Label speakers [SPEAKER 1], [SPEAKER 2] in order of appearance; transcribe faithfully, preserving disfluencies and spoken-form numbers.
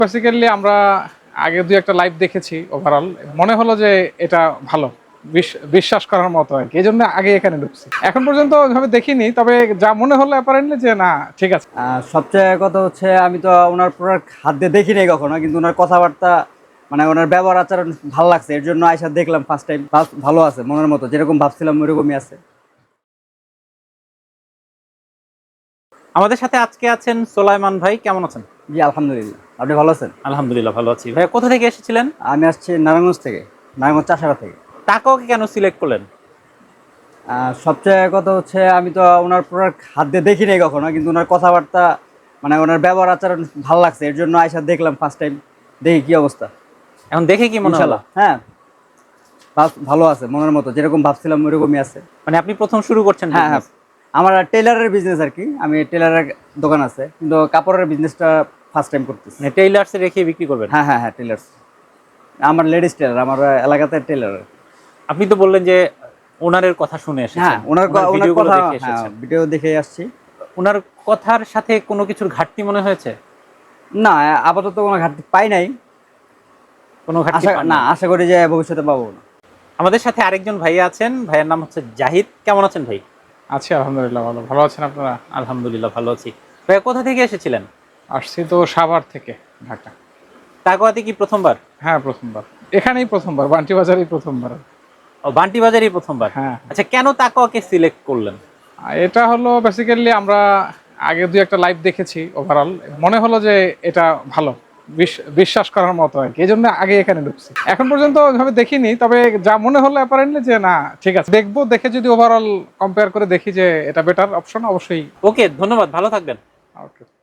[SPEAKER 1] Basically আমরা আগে দুই একটা লাইভ দেখেছি, ওভারঅল মনে হলো যে এটা ভালো, বিশ্বাস করার মতো আর কি, এই জন্য আগে এখানে ঢুকছি। এখন পর্যন্ত ওইভাবে দেখিনি, তবে যা মনে হলো অ্যাপারেন্টলি যে না ঠিক আছে।
[SPEAKER 2] সবচেয়ে কথা হচ্ছে আমি তো ওনার প্রোডাক্ট হাত দিয়ে দেখি নাই কখনো, কিন্তু ওনার কথাবার্তা মানে ওনার ব্যবহার আচরণ ভালো লাগছে, এর জন্য আইসা দেখলাম ফার্স্ট টাইম। ভালো আছে, মনের মতো যেরকম ভাবছিলাম ওইরকমই আছে।
[SPEAKER 3] আমাদের সাথে আজকে আছেন সোলাইমান ভাই, কেমন আছেন?
[SPEAKER 2] জি আলহামদুলিল্লাহ, আপনি ভালো আছেন?
[SPEAKER 3] আলহামদুলিল্লাহ ভালো আছি। ভাই কোথা থেকে এসেছিলেন?
[SPEAKER 2] আমি আসছি নারায়ণগঞ্জ থেকে, নারায়ণগঞ্জ চাষারা থেকে।
[SPEAKER 3] টাকাওকে কেন সিলেক্ট করলেন?
[SPEAKER 2] সবচেয়ে কথা হচ্ছে আমি তো ওনার প্রোডাক্ট হাত দিয়ে দেখি নাই কখনো, কিন্তু ওনার কথাবার্তা মানে ওনার ব্যবহার আচরণ ভালো লাগছে, এর জন্য আইসা দেখলাম ফার্স্ট টাইম। দেখি কি অবস্থা।
[SPEAKER 3] এখন দেখে কি মনে হলো?
[SPEAKER 2] হ্যাঁ ভালো আছে, মনের মতো যেরকম ভাবছিলাম ওইরকমই আছে।
[SPEAKER 3] মানে আপনি প্রথম শুরু করছেন?
[SPEAKER 2] হ্যাঁ হ্যাঁ, আমার টেইলারের বিজনেস আর কি, আমি টেইলারের দোকান আছে, কিন্তু কাপড়ের বিজনেসটা ফার্স্ট টাইম করতেছি।
[SPEAKER 3] মানে টেইলার্সে রেখে বিক্রি করবেন?
[SPEAKER 2] হ্যাঁ হ্যাঁ হ্যাঁ, টেইলার্স, আমার লেডিস টেইলার, আমার এলাকাতে টেইলার।
[SPEAKER 3] আপনি তো বললেন যে ওনারের কথা শুনে এসেছেন।
[SPEAKER 2] হ্যাঁ, ওনার ওনার কথা ভিডিও দেখে আসছি।
[SPEAKER 3] ওনার কথার সাথে কোনো কিছুর ঘাটতি মনে হয়েছে?
[SPEAKER 2] না, আপাতত কোনো ঘাটতি পাই নাই,
[SPEAKER 3] কোনো ঘাটতি
[SPEAKER 2] না, আশা করি যে ভবিষ্যতে পাবো না।
[SPEAKER 3] আমাদের সাথে আরেকজন ভাই আছেন, ভাইয়ের নাম হচ্ছে জাহিদ। কেমন আছেন ভাই?
[SPEAKER 1] আছি আলহামদুলিল্লাহ, ভালো। ভালো আছেন আপনারা?
[SPEAKER 3] আলহামদুলিল্লাহ ভালো আছি। ভাই কোথা থেকে এসেছিলেন?
[SPEAKER 1] আসছি তো সাভার থেকে, ঢাকা।
[SPEAKER 3] টাকাতে কি প্রথমবার?
[SPEAKER 1] হ্যাঁ প্রথমবার, এখানেই প্রথমবার, বান্টি বাজারেই প্রথমবার।
[SPEAKER 3] ও, বান্টি বাজারই প্রথমবার?
[SPEAKER 1] হ্যাঁ।
[SPEAKER 3] আচ্ছা, কেন তাকওয়াকে সিলেক্ট করলেন?
[SPEAKER 1] এটা হলো বেসিক্যালি আমরা আগে দুই একটা লাইভ দেখেছি, ওভারঅল মনে হলো যে এটা ভালো, বিশ্বাস করার মতো আর কি, এই জন্য আগে এখানে ঢুকছি। এখন পর্যন্ত ওইভাবে দেখিনি, তবে যা মনে হলো অ্যাপারেন্টলি যে না ঠিক আছে, দেখবো, দেখে যদি ওভারঅল কম্পেয়ার করে দেখি যে এটা বেটার অপশন, অবশ্যই।
[SPEAKER 3] ওকে, ধন্যবাদ, ভালো থাকবেন।
[SPEAKER 1] ওকে।